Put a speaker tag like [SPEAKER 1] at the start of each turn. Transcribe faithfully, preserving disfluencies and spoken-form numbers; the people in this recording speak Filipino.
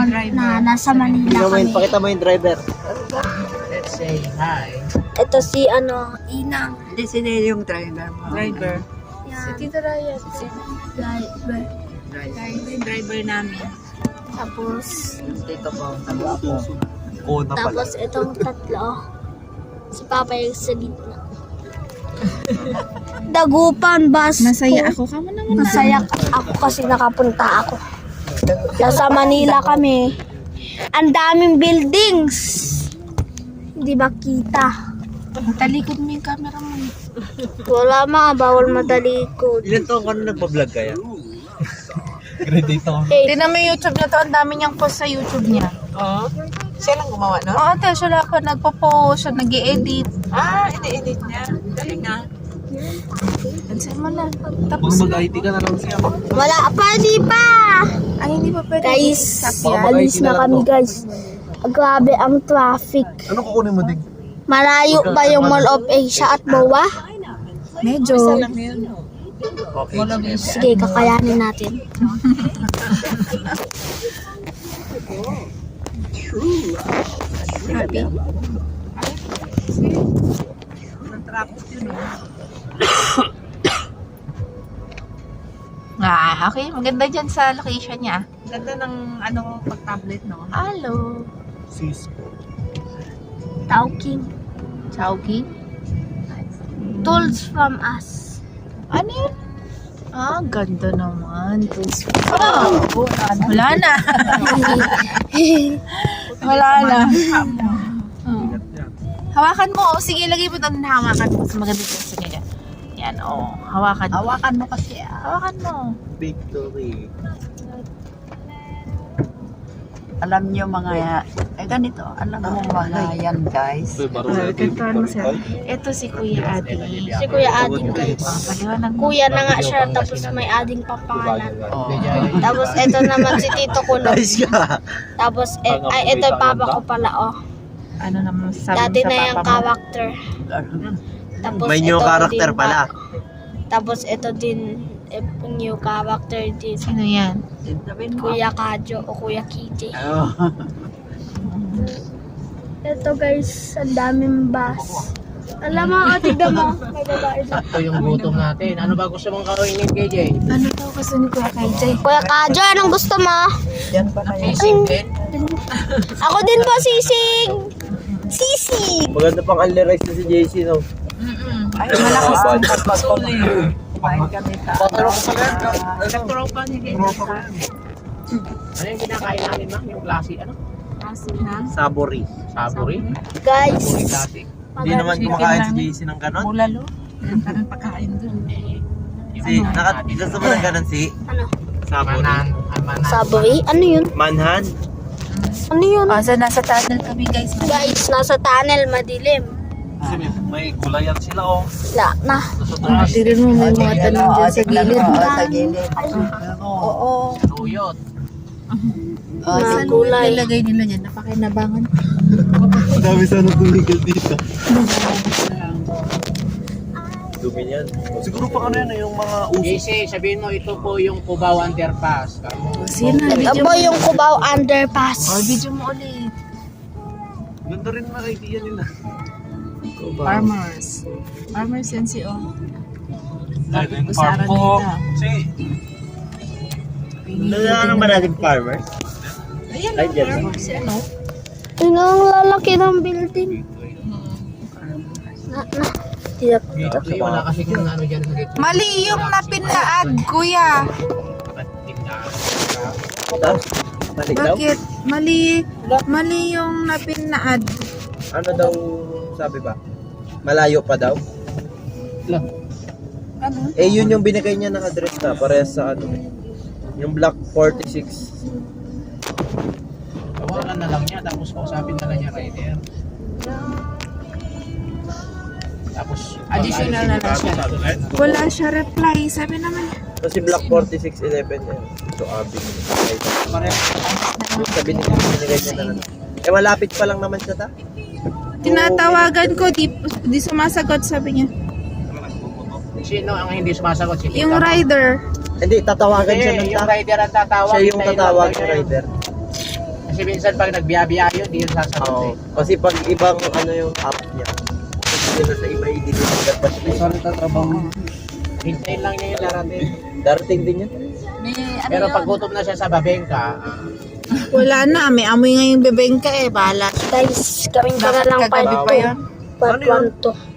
[SPEAKER 1] na nasa Manila
[SPEAKER 2] Pakita mo
[SPEAKER 1] kami.
[SPEAKER 2] yung, pakita mo yung driver.
[SPEAKER 3] Let's say hi.
[SPEAKER 1] Ito si ano, Inang.
[SPEAKER 4] Hindi sila yung driver mo.
[SPEAKER 3] Driver.
[SPEAKER 1] Yan.
[SPEAKER 3] Tito Ryan.
[SPEAKER 1] Driver.
[SPEAKER 3] Driver. Yung driver namin.
[SPEAKER 1] Tapos,
[SPEAKER 4] Dito po. Tawa po.
[SPEAKER 2] Kona pala.
[SPEAKER 1] tapos itong tatlo. Si Papa yung sa gitna. Dagupan bus.
[SPEAKER 3] Masaya ako. Kamo naman na.
[SPEAKER 1] Masaya ako kasi nakapunta ako. Nasa Manila kami. Ang daming buildings. Hindi ba kita?
[SPEAKER 3] Talikod mo yung camera mo.
[SPEAKER 1] Wala mga bawal matalikod.
[SPEAKER 2] Ilan taon ka na nagpa-vlog kaya? Grade eight ako.
[SPEAKER 3] Tingnan mo yung YouTube na to. Ang dami niyang post sa YouTube niya.
[SPEAKER 4] Oo. Siya lang gumawa, no?
[SPEAKER 3] Oo, te. Siya lang ako nagpo-post. Siya nag-i-edit.
[SPEAKER 4] Ah, ini-edit niya. Galing nga.
[SPEAKER 3] Pansin mo na.
[SPEAKER 2] Kung
[SPEAKER 3] Tapos,
[SPEAKER 2] mag-I T ka na lang siya.
[SPEAKER 1] Wala pa, di pa!
[SPEAKER 3] ay, hindi pa pwede.
[SPEAKER 1] Guys,
[SPEAKER 2] Baka
[SPEAKER 1] alis na kami guys. Grabe ang traffic.
[SPEAKER 2] Ano kukunin mo, Dig?
[SPEAKER 1] Malayo ba yung Mall of Asia at Boa?
[SPEAKER 3] Medyo.
[SPEAKER 4] Isa lang yun.
[SPEAKER 2] Okay.
[SPEAKER 1] Sige, kakayanin natin.
[SPEAKER 3] Happy.
[SPEAKER 4] Traffic yun, eh.
[SPEAKER 3] Ah, okay. Maganda dyan sa location niya.
[SPEAKER 4] Ganda ng ano, pag-tablet, no?
[SPEAKER 3] Hello.
[SPEAKER 2] Cisco.
[SPEAKER 1] Tauking.
[SPEAKER 3] Chowking.
[SPEAKER 1] Tools from us.
[SPEAKER 3] Ano yun? Ah, ganda naman. Oh, wala na. Wala na. Oh. Hawakan mo. Oh, sige, lagay mo doon. Hawakan mo. Mas maganda dyan sa nila. Yan, oh. Hawakan mo.
[SPEAKER 4] Hawakan mo kasi, ah.
[SPEAKER 3] Hawakan mo.
[SPEAKER 2] Victory.
[SPEAKER 4] Alam nyo mga, eh ganito, alam mo mga yan, guys.
[SPEAKER 3] Kantuan mo sir. Ito si Kuya Adi.
[SPEAKER 1] Si Kuya Ading guys.
[SPEAKER 3] Oh, paliwanag mo.
[SPEAKER 1] Kuya na nga siya, tapos may ading pa pangalan.
[SPEAKER 4] Oh.
[SPEAKER 1] Tapos ito naman si Tito Kulog.
[SPEAKER 2] Nice ka.
[SPEAKER 1] Tapos, eh, ay, ito yung papa ko pala, oh.
[SPEAKER 3] Ano naman sabi
[SPEAKER 1] Dati
[SPEAKER 3] mo
[SPEAKER 1] na
[SPEAKER 3] sa
[SPEAKER 1] yung
[SPEAKER 3] papa mo?
[SPEAKER 1] character. Tapos
[SPEAKER 2] May new
[SPEAKER 1] ito
[SPEAKER 2] character
[SPEAKER 1] din
[SPEAKER 2] pala.
[SPEAKER 1] pa- Tapos ito din, eh, new character din.
[SPEAKER 3] Sino yan?
[SPEAKER 4] Sabihin mo.
[SPEAKER 1] Kuya Kadyo o Kuya Kitty.
[SPEAKER 2] Oh.
[SPEAKER 1] Ito guys, ang daming bus. Alam mo, oh, tignan mo. May babae dyan.
[SPEAKER 5] Sakto yung gutom natin. Ano ba gusto mong kainin, K J?
[SPEAKER 3] Ano daw gusto ni Kuya K J?
[SPEAKER 1] Kuya Kadyo, anong gusto mo?
[SPEAKER 4] Yan pa kayo.
[SPEAKER 5] Sisig din?
[SPEAKER 1] Ako din po, sisig! Sisig!
[SPEAKER 2] Maganda pang unli rice na si J C, no?
[SPEAKER 4] Ay, malakas ang pagpasuli. Kumain kami ta.
[SPEAKER 3] Tropa ni K J.
[SPEAKER 5] Ano yung kinakain namin, ma'am? Yung klase, ano?
[SPEAKER 2] Sabory.
[SPEAKER 5] Sabory?
[SPEAKER 1] Guys,
[SPEAKER 5] Sabory klase.
[SPEAKER 2] Hindi naman kumakain si J C ng ganon.
[SPEAKER 3] Bulalo.
[SPEAKER 4] Yan ka ng pagkain dun.
[SPEAKER 2] Si, nakat, gusto mo ng ganon si?
[SPEAKER 1] ano?
[SPEAKER 2] Sabory.
[SPEAKER 5] Manan. ah, Manan.
[SPEAKER 1] Saboy? Ano yun?
[SPEAKER 2] Manhan.
[SPEAKER 1] Ano yun?
[SPEAKER 3] Oh, so nasa tunnel kami guys.
[SPEAKER 1] Guys, nasa tunnel, madilim.
[SPEAKER 2] Kasi may, may gulayan sila, oh.
[SPEAKER 1] Wala na.
[SPEAKER 3] Oh, tirin mo may mga tanong dyan sa gilid.
[SPEAKER 4] Oo, sa gilid.
[SPEAKER 3] Oo.
[SPEAKER 5] Tuyot.
[SPEAKER 4] Oh,
[SPEAKER 1] Mga
[SPEAKER 3] Saan
[SPEAKER 1] gulay.
[SPEAKER 3] nilagay nila dyan? Napakinabangan.
[SPEAKER 2] Madami sana tumigal dito. Dumi yan. Siguro pa ano yan, eh, yung mga
[SPEAKER 5] J
[SPEAKER 2] uso.
[SPEAKER 5] C, sabihin mo ito po yung Cubao Underpass.
[SPEAKER 3] Oh, sino?
[SPEAKER 1] Ito
[SPEAKER 3] Video
[SPEAKER 1] po
[SPEAKER 3] mo.
[SPEAKER 1] yung Cubao Underpass.
[SPEAKER 3] Oh, video mo ulit.
[SPEAKER 2] Ganda rin na idea nila.
[SPEAKER 3] Farmers. Farmers yan si O.
[SPEAKER 2] Dahil
[SPEAKER 3] Tapos sa Araneta.
[SPEAKER 2] Si, nalalang ba natin farmers?
[SPEAKER 3] Ayan
[SPEAKER 2] Ay,
[SPEAKER 3] ang
[SPEAKER 2] dyan.
[SPEAKER 3] farmers. Si ano?
[SPEAKER 1] Yun ang lalaki ng building. Na, na. Tiyak.
[SPEAKER 5] Dito wala kasi kung ano dyan sa gitna.
[SPEAKER 3] Mali yung napinlaad, kuya.
[SPEAKER 2] Tapos, balik daw?
[SPEAKER 3] Bakit? Mali. Mali yung napinlaad.
[SPEAKER 2] Ano daw sabi ba? Malayo pa daw?
[SPEAKER 3] Ano?
[SPEAKER 2] Eh, yun yung binigay niya ng address na, parehas sa ano. Yung block forty-six.
[SPEAKER 5] Tawagan na lang niya, tapos kausapin na lang niya rider. Tapos,
[SPEAKER 3] Additional na lang siya. Wala siya reply. Sabi naman.
[SPEAKER 2] Kasi block forty-six eleven yan. So, abing. Sabi niya, binigay niya na lang. Eh, malapit pa lang naman siya ta.
[SPEAKER 3] Tinatawagan ko, di, di sumasagot, sabi niya.
[SPEAKER 5] sino ang hindi sumasagot? Si
[SPEAKER 3] Yung
[SPEAKER 5] Tita?
[SPEAKER 3] rider.
[SPEAKER 2] Hindi, tatawagan siya
[SPEAKER 5] Hindi,
[SPEAKER 2] ng
[SPEAKER 5] yung
[SPEAKER 2] ta.
[SPEAKER 5] rider ang tatawag.
[SPEAKER 2] Siya yung
[SPEAKER 5] hintayin
[SPEAKER 2] tatawag
[SPEAKER 5] lang
[SPEAKER 2] sa
[SPEAKER 5] tayo.
[SPEAKER 2] rider.
[SPEAKER 5] Kasi minsan pag nagbiyabiyayo, di yun sasagot
[SPEAKER 2] Oo.
[SPEAKER 5] eh.
[SPEAKER 2] Kasi pag ibang ano yung app niya, kasi na sa iba i-deliver pa siya. Sorry, tatrabaho.
[SPEAKER 5] Hintayin lang niya yung darating.
[SPEAKER 2] Darating din yan.
[SPEAKER 4] May ano
[SPEAKER 5] Pero
[SPEAKER 4] yun?
[SPEAKER 5] pag gutom na siya sa babengka, ah,
[SPEAKER 3] Wala na, may amoy nga yung bebengka eh. Bahala siya.
[SPEAKER 1] Guys, gawin ko na lang
[SPEAKER 3] Bakit
[SPEAKER 1] part
[SPEAKER 3] kagabi pa
[SPEAKER 1] two.
[SPEAKER 3] yun?
[SPEAKER 1] Part
[SPEAKER 5] Ano yun?
[SPEAKER 1] one to.